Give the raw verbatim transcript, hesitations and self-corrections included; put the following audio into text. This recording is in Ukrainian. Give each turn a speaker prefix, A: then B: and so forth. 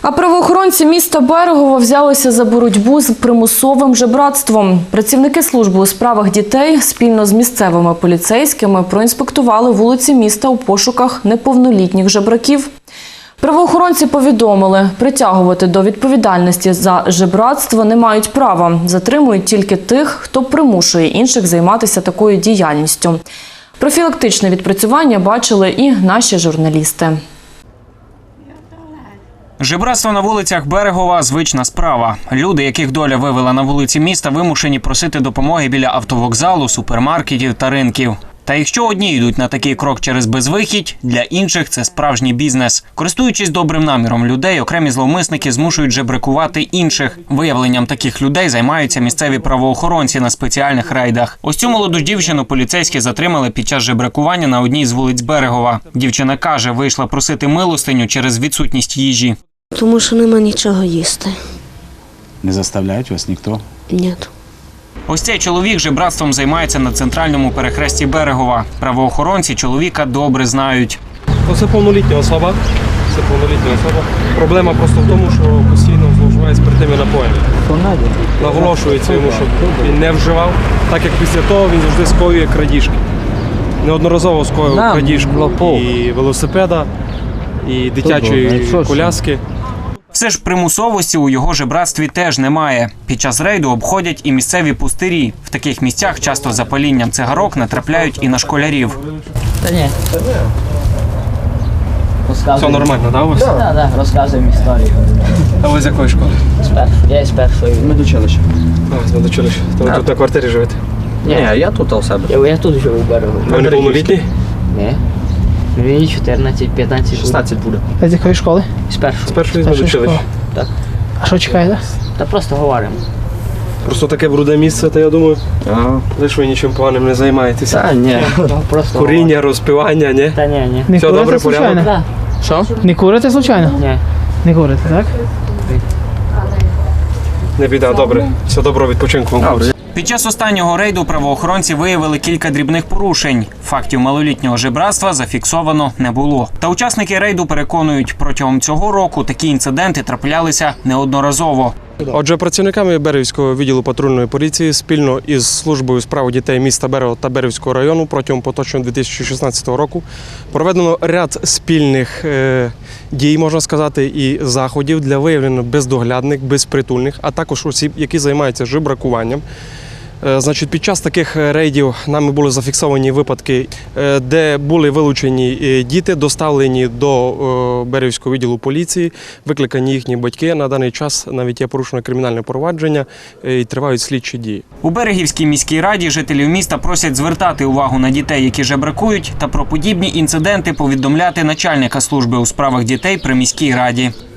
A: А правоохоронці міста Берегово взялися за боротьбу з примусовим жебратством. Працівники служби у справах дітей спільно з місцевими поліцейськими проінспектували вулиці міста у пошуках неповнолітніх жебраків. Правоохоронці повідомили, притягувати до відповідальності за жебратство не мають права. Затримують тільки тих, хто примушує інших займатися такою діяльністю. Профілактичне відпрацювання бачили і наші журналісти.
B: Жебратство на вулицях Берегова – звична справа. Люди, яких доля вивела на вулиці міста, вимушені просити допомоги біля автовокзалу, супермаркетів та ринків. Та якщо одні йдуть на такий крок через безвихідь, для інших це справжній бізнес. Користуючись добрим наміром людей, окремі зловмисники змушують жебракувати інших. Виявленням таких людей займаються місцеві правоохоронці на спеціальних рейдах. Ось цю молоду дівчину поліцейські затримали під час жебракування на одній з вулиць Берегова. Дівчина каже, вийшла просити милостиню через відсутність їжі.
C: Тому що нема нічого їсти.
D: Не заставляють вас ніхто?
C: Ні.
B: Ось цей чоловік жебратством займається на центральному перехресті Берегова. Правоохоронці чоловіка добре знають.
E: Це повнолітня особа. Це повнолітня особа. Проблема просто в тому, що постійно зловживає спиртними напоями. Наголошується йому, щоб він не вживав, так як після того він завжди скоює крадіжки. Неодноразово скоював крадіжку і велосипеда, і дитячої коляски.
B: Все ж примусовості у його жебратстві теж немає. Під час рейду обходять і місцеві пустирі. В таких місцях часто за палінням цигарок натрапляють і на школярів.
F: Та ні.
E: Все нормально, так, у вас?
F: Так, так, розказуємо історію.
E: А ви з якої школи?
F: З першої. Я із першої.
G: Медучилище.
E: А, з медучилища. То ви тут на квартирі живете?
F: Ні,
G: Ні, я тут у себе.
F: я, я тут живу в Берегу.
E: Ви не повнолітні?
F: Ні. Мені чотирнадцять п'ятнадцять.
G: шістнадцять буде.
H: А з якої школи?
F: З першої.
E: З першої з медучилища.
F: Так.
H: А що чекаєте?
F: Та просто говоримо.
E: Просто таке бруде місце, то я думаю,
G: Ага.
E: лише ви нічим поганим не займаєтеся.
G: Та ні.
F: Просто
E: Куріння, розпивання, ні?
F: говоримо. Та ні, ні.
H: Не
E: Все
H: курите
E: добре,
H: случайно?
E: порядок?
F: Так.
H: Що? Не курите случайно?
F: Ні.
H: Не курите, так?
E: Не біда, добре. Все доброго відпочинку вам.
G: Добре.
B: Під час останнього рейду правоохоронці виявили кілька дрібних порушень. Фактів малолітнього жебратства зафіксовано не було. Та учасники рейду переконують, протягом цього року такі інциденти траплялися неодноразово.
E: Отже, працівниками Берегівського відділу патрульної поліції спільно із службою справ дітей міста Берегово та Берегівського району протягом поточного дві тисячі шістнадцятого року проведено ряд спільних е, дій, можна сказати, і заходів для виявлення бездоглядних, безпритульних, а також осіб, які займаються жебракуванням. Е, Значить, під час таких рейдів нами були зафіксовані випадки, е, де були вилучені е, діти, доставлені до е, Берегівського відділу поліції, викликані їхні батьки. На даний час навіть є порушено кримінальне провадження е, і тривають слідчі дії.
B: У Берегівській міській раді жителів міста просять звертати увагу на дітей, які жебракують, та про подібні інциденти повідомляти начальника служби у справах дітей при міській раді.